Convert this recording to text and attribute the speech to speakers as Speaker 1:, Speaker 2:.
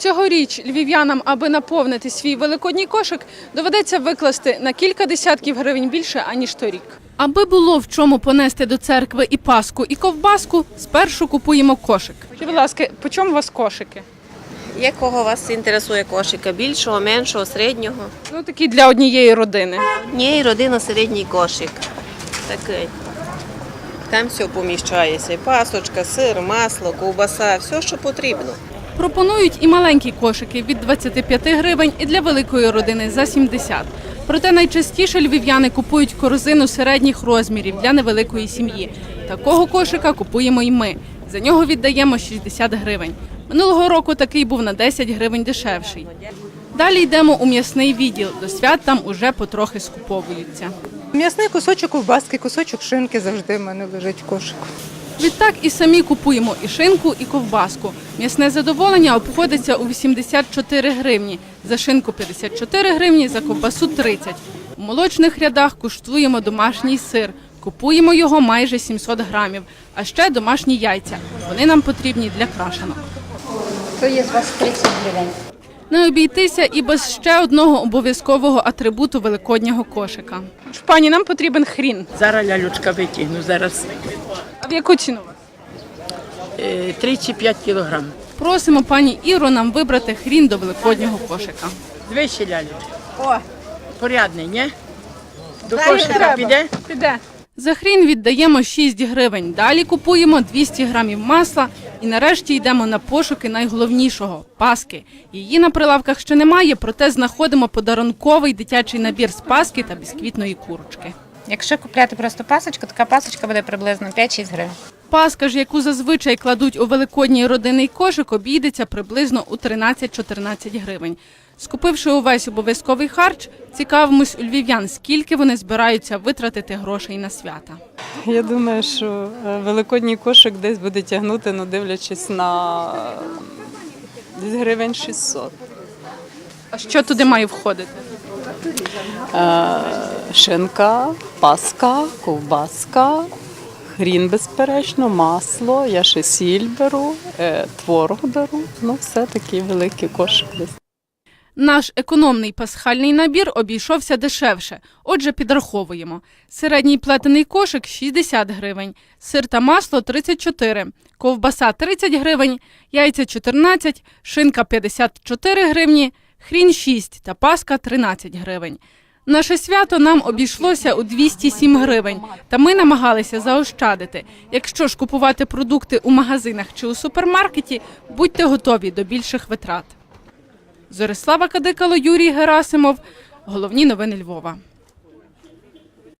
Speaker 1: Цьогоріч львів'янам, аби наповнити свій великодній кошик, доведеться викласти на кілька десятків гривень більше, аніж торік. Аби було в чому понести до церкви і паску, і ковбаску, спершу купуємо кошик. Будь ласка, по чому у вас кошики?
Speaker 2: Якого вас інтересує кошика? Більшого, меншого, середнього?
Speaker 1: Ну, такі для однієї родини.
Speaker 2: Ні, родина середній кошик. Такий. Там все поміщається. Пасочка, сир, масло, ковбаса, все, що потрібно.
Speaker 1: Пропонують і маленькі кошики від 25 гривень, і для великої родини за 70. Проте найчастіше львів'яни купують корзину середніх розмірів для невеликої сім'ї. Такого кошика купуємо і ми. За нього віддаємо 60 гривень. Минулого року такий був на 10 гривень дешевший. Далі йдемо у м'ясний відділ. До свят там уже потрохи скуповуються.
Speaker 3: М'ясний кусочок ковбаски, кусочок шинки завжди в мене лежить в кошику.
Speaker 1: Відтак і самі купуємо і шинку, і ковбаску. М'ясне задоволення обходиться у 84 гривні, за шинку 54 гривні, за ковбасу 30. У молочних рядах куштуємо домашній сир. Купуємо його майже 700 грамів, а ще домашні яйця. Вони нам потрібні для крашанок.
Speaker 4: То є з вас 30 гривень.
Speaker 1: Не обійтися і без ще одного обов'язкового атрибуту великоднього кошика. Пані, нам потрібен хрін.
Speaker 5: Зараз лялючка витягну, зараз
Speaker 1: А в яку ціну?
Speaker 5: 35 кілограм.
Speaker 1: Просимо пані Іру нам вибрати хрін до великоднього кошика.
Speaker 5: Двічі лялючка. Порядний, ні? До кошика піде?
Speaker 1: Піде. За хрін віддаємо 6 гривень. Далі купуємо 200 грамів масла і нарешті йдемо на пошуки найголовнішого – паски. Її на прилавках ще немає, проте знаходимо подарунковий дитячий набір з паски та бісквітної курочки.
Speaker 4: Якщо купляти просто пасочку, така пасочка буде приблизно 5-6 гривень.
Speaker 1: Паска ж, яку зазвичай кладуть у великодній родинний кошик, обійдеться приблизно у 13-14 гривень. Скупивши увесь обов'язковий харч, цікавимось у львів'ян, скільки вони збираються витратити грошей на свята.
Speaker 3: Я думаю, що великодній кошик десь буде тягнути, ну, дивлячись на десь гривень 600.
Speaker 1: А що туди має входити?
Speaker 3: Шинка, паска, ковбаска, хрін, безперечно, масло, я ще сіль беру, творог беру, ну все такий великий кошик десь.
Speaker 1: Наш економний пасхальний набір обійшовся дешевше, отже підраховуємо. Середній плетений кошик – 60 гривень, сир та масло – 34, ковбаса – 30 гривень, яйця – 14, шинка – 54 гривні, хрін – 6 та паска – 13 гривень. Наше свято нам обійшлося у 207 гривень, та ми намагалися заощадити. Якщо ж купувати продукти у магазинах чи у супермаркеті, будьте готові до більших витрат. Зорислава Кадикало, Юрій Герасимов. Головні новини Львова.